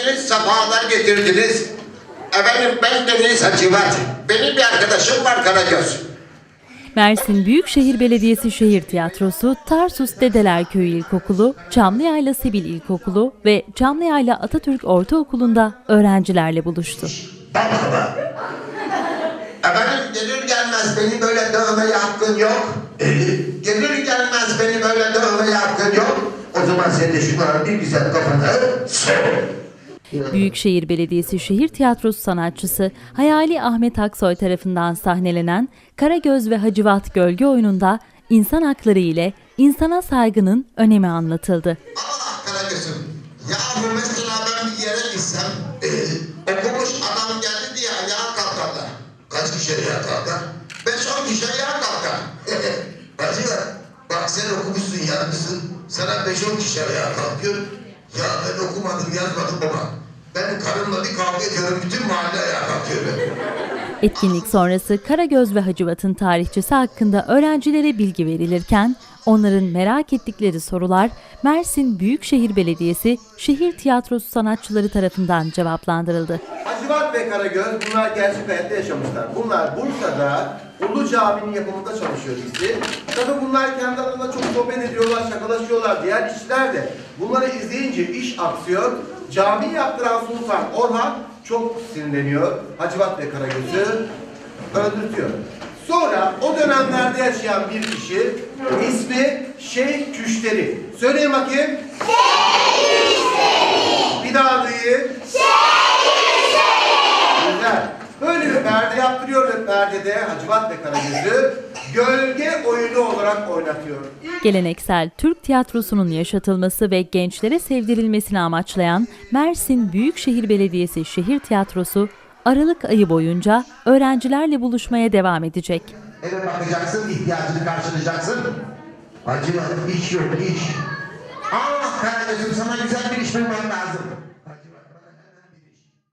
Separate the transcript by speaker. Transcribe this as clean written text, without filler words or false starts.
Speaker 1: geldiniz, sefalar getirdiniz. Efendim ben Deniz Hacivat. Benim bir arkadaşım var Karagöz.
Speaker 2: Mersin Büyükşehir Belediyesi Şehir Tiyatrosu, Tarsus Dedeler Köyü İlkokulu, Çamlıyayla Sibil İlkokulu ve Çamlıyayla Atatürk Ortaokulu'nda öğrencilerle buluştu.
Speaker 1: Efendim gelir gelmez beni böyle dövmeye hakkın yok. Gelir gelmez beni böyle dövmeye hakkın yok. O zaman sen de şunları bir güzel kafana
Speaker 2: Büyükşehir Belediyesi Şehir Tiyatrosu sanatçısı Hayali Ahmet Aksoy tarafından sahnelenen Karagöz ve Hacivat Gölge oyununda insan hakları ile insana saygının önemi anlatıldı.
Speaker 1: Allah Karagöz'üm. Ya mesela ben bir yere gitsem okumuş adam geldi diye ayağa kalkarlar. Kaç kişi ayağa kalkar? 5-10 kişi ayağa kalkar. Hacivat bak sen okumuşsun yazmışsın. Sana 5-10 kişi ayağa kalkıyor. Ya ben okumadım yazmadım baba. Ben karımla bir kavga ediyorum, bütün mahalle ayağa kalkıyor.
Speaker 2: Etkinlik sonrası Karagöz ve Hacivat'ın tarihçesi hakkında öğrencilere bilgi verilirken onların merak ettikleri sorular Mersin Büyükşehir Belediyesi Şehir Tiyatrosu sanatçıları tarafından cevaplandırıldı.
Speaker 3: Hacivat ve Karagöz bunlar gerçek hayatta yaşamışlar. Bunlar Bursa'da Ulu Cami'nin yapımında çalışıyor ikisi. Tabii bunlar kendi aralarında çok sohbet ediyorlar, şakalaşıyorlar. Diğer işçiler de bunları izleyince iş aksıyor. Cami yaptıran Sultan Orhan çok sinirleniyor. Hacivat ve Karagöz'ü öldürtüyor. Sonra o dönemlerde yaşayan bir kişi ismi Şeyh Küşteri. Söyleyin bakayım. Şeyh Küşteri. Bir daha duyayım. Güzel. Böyle bir perde yaptırıyor ve perdede Hacivat ve Karagöz'ü gölge oyunu olarak oynatıyor.
Speaker 2: Geleneksel Türk tiyatrosunun yaşatılması ve gençlere sevdirilmesini amaçlayan Mersin Büyükşehir Belediyesi Şehir Tiyatrosu Aralık ayı boyunca öğrencilerle buluşmaya devam edecek.
Speaker 1: Eve bakacaksın, ihtiyacını karşılayacaksın. Hacivat iş yok, iş. Ah Karagöz'üm sana güzel bir iş bulman lazım.